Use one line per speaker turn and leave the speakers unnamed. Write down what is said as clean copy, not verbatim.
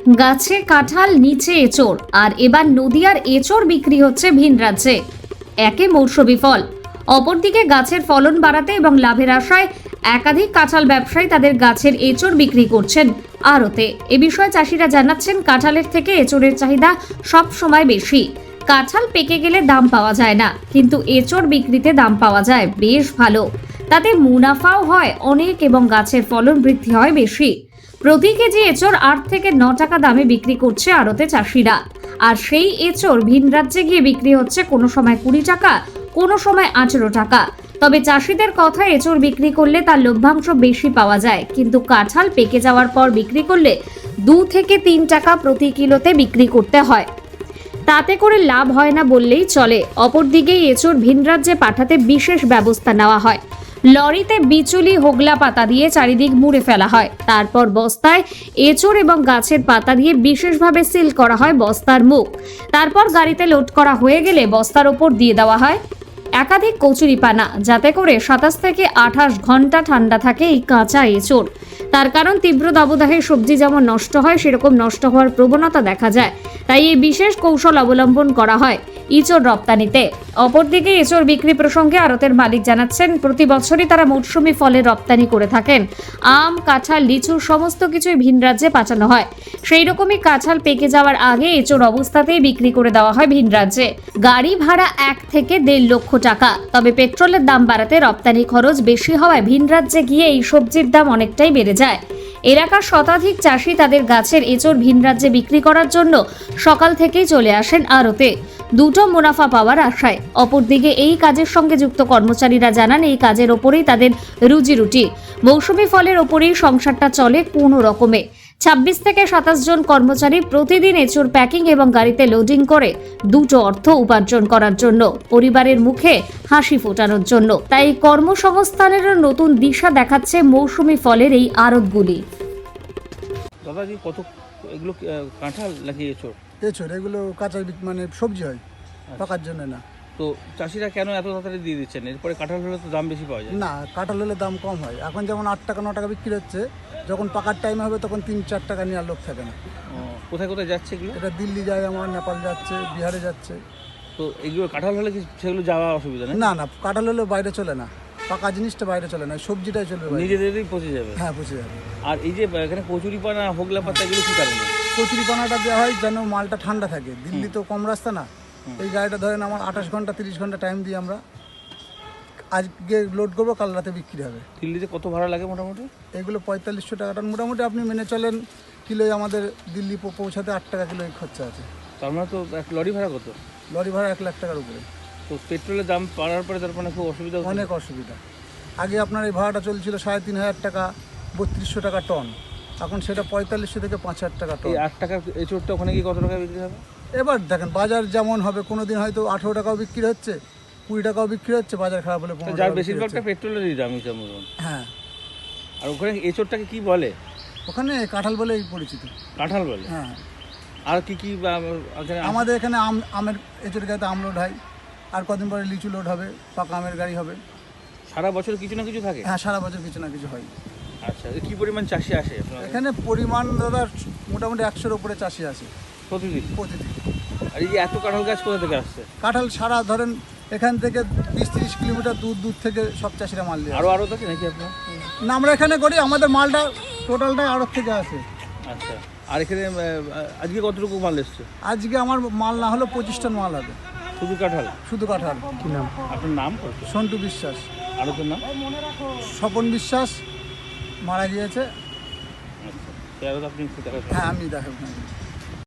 গাছে কাঁঠাল, নিচে এঁচোড়, আর এবার নদিয়ার এঁচোড় বিক্রি হচ্ছে ভিন রাজ্যে। একে মৌসুমি ফল, অপরদিকে গাছের ফলন বাড়াতে এবং লাভের আশায় একাধিক কাঁঠাল ব্যবসায়ী তাদের গাছের এঁচোড় বিক্রি করছেন আড়তে। এ বিষয়ে চাষিরা জানাচ্ছেন, কাঁঠালের থেকে এঁচোড়ের চাহিদা সব সময় বেশি। কাঁঠাল পেকে গেলে দাম পাওয়া যায় না, কিন্তু এঁচোড় বিক্রিতে দাম পাওয়া যায় বেশ ভালো। তাতে মুনাফাও হয় অনেক এবং গাছের ফলন বৃদ্ধি হয় বেশি। প্রতি কেজি এঁচোড় 8 থেকে 9 টাকা দামে বিক্রি করছে আড়তে চাষিরা। আর সেই এঁচোড় ভিন রাজ্যে গিয়ে বিক্রি হচ্ছে কোনো সময় 20 টাকা, কোনো সময় 18 টাকা। তবে চাষিদের কথা, এঁচোড় বিক্রি করলে তার লভ্যাংশ বেশি পাওয়া যায়, কিন্তু কাঁঠাল পেকে যাওয়ার পর বিক্রি করলে 2 থেকে 3 টাকা প্রতি কিলোতে বিক্রি করতে হয়। তাতে করে লাভ হয় না বললেই চলে। অপরদিকে এঁচোড় ভিন রাজ্যে পাঠাতে বিশেষ ব্যবস্থা নেওয়া হয়। লরিতে বিচুলি, হোগলা পাতা দিয়ে চারিদিক মুড়ে ফেলা হয়। তারপর বস্তায় এঁচোড় এবং গাছের পাতা দিয়ে বিশেষভাবে সিল করা হয় বস্তার মুখ। তারপর গাড়িতে লোড করা হয়ে গেলে বস্তার ওপর দিয়ে দেওয়া হয় একাধিক কচুরিপানা, যাতে করে 27 থেকে 28 ঘন্টা ঠান্ডা থাকে এই কাঁচা এঁচোড়। তার কারণ, তীব্র দাবদাহে সবজি যেমন নষ্ট হয়, সেরকম নষ্ট হওয়ার প্রবণতা দেখা যায়। তাই এই বিশেষ কৌশল অবলম্বন করা হয় এঁচোড় রপ্তানিতে। অপরদিকে এঁচোড় বিক্রি প্রসঙ্গে আড়তের মালিক জানাচ্ছেন, প্রতি বছরই তারা মৌসুমি ফলের রপ্তানি করে থাকেন। আম, কাঁঠাল, লিচু সমস্ত কিছুই ভিন রাজ্যে পাঠানো হয়। সেই রকমই কাঁঠাল পেকে যাওয়ার আগে এঁচোড় অবস্থাতেই বিক্রি করে দেওয়া হয় ভিন রাজ্যে। গাড়ি ভাড়া 1 থেকে 1.5 লক্ষ টাকা। তবে পেট্রোলের দাম বাড়াতে রপ্তানি খরচ বেশি হওয়ায় ভিন রাজ্যে গিয়ে এই সবজির দাম অনেকটাই বেড়ে যায়। এলাকার শতাধিক চাষি তাদের গাছের এঁচোড় ভিন রাজ্যে বিক্রি করার জন্য সকাল থেকেই চলে আসেন আড়তে, দুটো মুনাফা পাওয়ার আশায়। অপরদিকে এই কাজের সঙ্গে যুক্ত কর্মচারীরা জানান, এই কাজের ওপরেই তাদের রুজি রুটি। মৌসুমি ফলের ওপরেই সংসারটা চলে কোনো রকমে। 26 থেকে 27 জন কর্মচারী প্রতিদিন এঁচোড় প্যাকিং এবং গাড়িতে লোডিং করে দুটো অর্থ উপার্জন করার জন্য, পরিবারের মুখে হাসি ফোটানোর জন্য। তাই কর্মসংস্থানেরও নতুন দিশা দেখাচ্ছে মৌসুমি ফলের এই আড়তগুলি।
দাদাজি, কত এগুলো কাঁঠাল নাকি এঁচোড়?
এঁচোড় এগুলো কাঁচা মানে সবজি হয়, পাকার জন্য না।
তো চাষিরা কেন এত তাড়াতাড়ি দিয়ে দিচ্ছেন? এরপরে কাঁঠাল হলে তো দাম বেশি পাওয়া যায়।
না, কাঁঠাল হলে দাম কম হয়। এখন যেমন 8 টাকা 9 টাকা বিক্রি হচ্ছে, যখন পাকার টাইম হবে তখন 3-4 টাকা নেওয়ার লোক থাকে না।
কোথায় কোথায় যাচ্ছে এগুলো?
এটা দিল্লি যায়, আমার নেপাল যাচ্ছে, বিহারে যাচ্ছে।
তো এগুলো কাঁঠাল হলে কি সেগুলো যাওয়া অসুবিধা নেই?
না না, কাঁঠাল হলে বাইরে চলে না, পাকা জিনিসটা বাইরে চলে না, সবজিটাই চলবে বাইরে।
নিজেদেরই পচে যাবে।
হ্যাঁ, পচে যাবে।
আর এই যে এখানে কচুরিপানা, হোগলা পাতা, এগুলো কি কারণে?
কচুরিপানাটা দেওয়া হয় যেন মালটা ঠান্ডা থাকে। দিল্লি তো কম রাস্তা না। এই গাড়িটা ধরেন আমার 28 ঘন্টা 30 ঘন্টা টাইম দিয়ে আমরা আজকে লোড করবো, কাল রাতে বিক্রি হবে।
দিল্লিতে কত ভাড়া লাগে মোটামুটি?
এগুলো 4500 টাকাটা মোটামুটি আপনি মেনে চলেন। কিলোয় আমাদের দিল্লি পৌঁছাতে 8 টাকা কিলো খরচা আছে।
তার মানে তো এক লরি ভাড়া কত?
লরি ভাড়া 1 লাখ টাকার উপরে।
তো পেট্রোলের দাম বাড়ার পরে তার মানে খুব অসুবিধা হচ্ছে?
অনেক অসুবিধা। আগে আপনার এই ভাড়াটা চলছিল 3500 টাকা, 3200 টাকা টন। এখন সেটা 4500 থেকে 5000 টাকা টন।
এই 8 টাকার এঁচোড়টা ওখানে কি কত টাকা বিক্রি হবে?
এবার দেখেন বাজার যেমন হবে, কোনো দিন হয়তো 18 টাকাও বিক্রি হচ্ছে, 20 টাকাও বিক্রি হচ্ছে, বাজার খারাপ হলে 15
যার
টাকা।
বেশিরভাগটা পেট্রোলেরই দাম হিসাব মতন।
হ্যাঁ।
আর ওখানে এঁচোড়টাকে কি বলে?
ওখানে কাঁঠাল বলেই পরিচিত।
কাঁঠাল বলে?
হ্যাঁ।
আর কি কি
আমাদের এখানে আমের এঁচোড় গাড়িতে আম লোড হয়, আর কদিন পরে লিচু লোড হবে, পাকা আমের গাড়ি হবে।
সারা বছর কিছু না কিছু থাকে?
হ্যাঁ, সারা বছর কিছু না কিছু হয়।
আচ্ছা, কি পরিমাণ চাষি আসে আপনার
এখানে পরিমাণ দাদা মোটামুটি 100-র উপরে চাষি আছে
প্রতিদিন?
প্রতিদিন।
আর এই যে এত কাঁঠাল গাছ কোথা থেকে আসছে?
কাঁঠাল সারা ধরেন এখান থেকে 20-30 কিলোমিটার দূর থেকে সব চাষিরা মাল দিয়ে।
আরও আছে নাকি আপনার?
না, আমরা এখানে করি, আমাদের মালটা টোটালটাই আড়ত থেকে আসে।
আচ্ছা। আর এখানে আজকে কতটুকু মাল এসছে?
আজকে আমার মাল না হলেও 25 টন মাল হবে।
শুধু কাঁঠাল?
শুধু কাঁঠাল।
কি নাম আপনার? নাম?
সন্টু বিশ্বাস।
আর তোর নাম?
স্বপন বিশ্বাস, মারা গিয়েছে।
আচ্ছা, আপনি
হ্যাঁ, আমি দেখাবো।